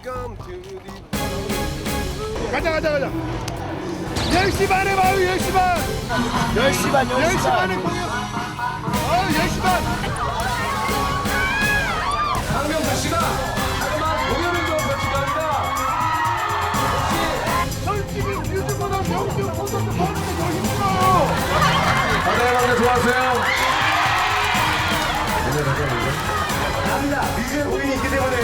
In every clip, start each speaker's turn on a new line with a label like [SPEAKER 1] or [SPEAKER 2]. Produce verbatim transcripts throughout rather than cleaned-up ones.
[SPEAKER 1] 가자 가자 가자. 열 시 반에 봐요. 열 시 반.
[SPEAKER 2] 열 시 반,
[SPEAKER 1] 열 시 반에 공연. 아, 열 시 반.
[SPEAKER 3] 박명수 씨가 하지만 공연은 좀 거칠합니다.
[SPEAKER 1] 솔직히 뮤즈보다 명수 콘서트 보는 게 더 힘들어요.
[SPEAKER 3] 바다의 광대 좋아하세요?
[SPEAKER 2] 뮤지컬 공연이 있기 때문에.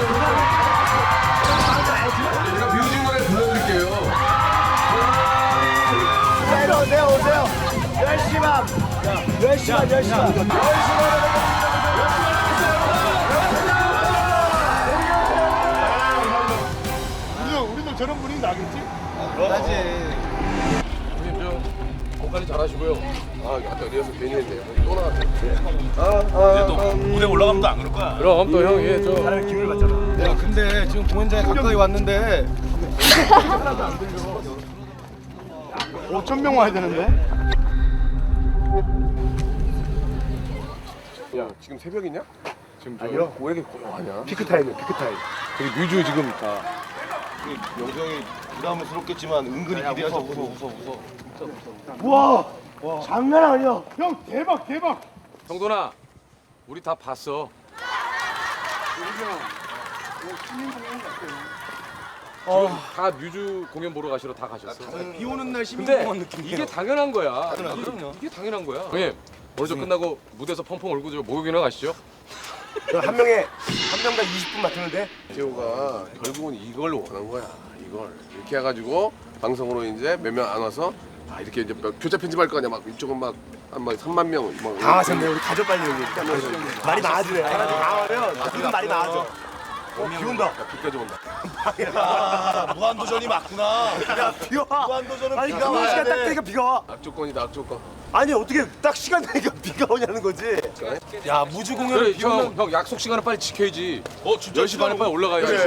[SPEAKER 3] 제가 뮤직 노래 불러드릴게요.
[SPEAKER 2] 자, 오세요, 오세요. 열 시 반. 열 시 반, 열 시 반.
[SPEAKER 1] 우리도 우리도 저런 분위기 나겠지?
[SPEAKER 2] 그러지.
[SPEAKER 3] 형님 좀 목관리 잘하시고요. 아 아까 리허설 괜히 했네요. 또 나왔네.
[SPEAKER 4] 이제 또 무대 올라가면 안 그럴 거야.
[SPEAKER 3] 그럼 또 형이 좀
[SPEAKER 2] 사람의 기분을 받잖아.
[SPEAKER 1] 야, 근데 지금 공연장에 가까이 왔는데 오천 명 와야 되는데?
[SPEAKER 3] 야 지금 새벽이냐? 지금 저
[SPEAKER 1] 아니요.
[SPEAKER 3] 왜 이렇게 고요하냐?
[SPEAKER 1] 피크 타임이야, 피크 타임.
[SPEAKER 3] 저기 뮤즈 지금 다
[SPEAKER 4] 영수 형이 부담스럽겠지만 은근히 기대하죠. 웃어 웃어 웃어.
[SPEAKER 1] 와, 장난 아니야. 형 대박, 대박.
[SPEAKER 3] 성돈아 우리 다 봤어. 어, 다 뮤즈 공연 보러 가시러 다 가셨어.
[SPEAKER 4] 비 오는 날
[SPEAKER 3] 근데
[SPEAKER 4] 시민공원 느낌이에요.
[SPEAKER 3] 이게 당연한 거야.
[SPEAKER 4] 당연하죠.
[SPEAKER 3] 이게,
[SPEAKER 4] 그럼요.
[SPEAKER 3] 이게 당연한 거야. 형님 오늘 저 끝나고 무대에서 펑펑 울고 저 목욕이나 가시죠.
[SPEAKER 2] 한 명에, 한 명당 이십 분 맡으는데?
[SPEAKER 3] 재호가 결국은 이걸 원한 거야. 이걸 이렇게 해가지고 방송으로 이제 몇 명 안 와서 아 이렇게 이제 몇- 교차 편집할 거 아니야. 막 이쪽은 막한막 삼만 명. 막
[SPEAKER 2] 당하셨네, 우리 가족 빨리 여기. 말이 많아지네. 당하면 지금 말이 많아져. 어, 비 온다.
[SPEAKER 3] 야, 비까지 온다.
[SPEAKER 4] 아, 무한도전이 맞구나.
[SPEAKER 2] 야, 비 와.
[SPEAKER 4] 무한도전은
[SPEAKER 2] 아니,
[SPEAKER 4] 비가
[SPEAKER 2] 그
[SPEAKER 4] 와야
[SPEAKER 2] 시간 딱
[SPEAKER 4] 돼.
[SPEAKER 2] 되니까 비가 와.
[SPEAKER 3] 악조건이다 악조건.
[SPEAKER 2] 아니, 어떻게 딱 시간 되니까 비가 오냐는 거지.
[SPEAKER 4] 야 무주 공연을
[SPEAKER 3] 그래
[SPEAKER 4] 비 오면
[SPEAKER 3] 형, 형 약속 시간을 빨리 지켜야지.
[SPEAKER 4] 어 진짜
[SPEAKER 3] 열 시 반에 빨리 올라가야지.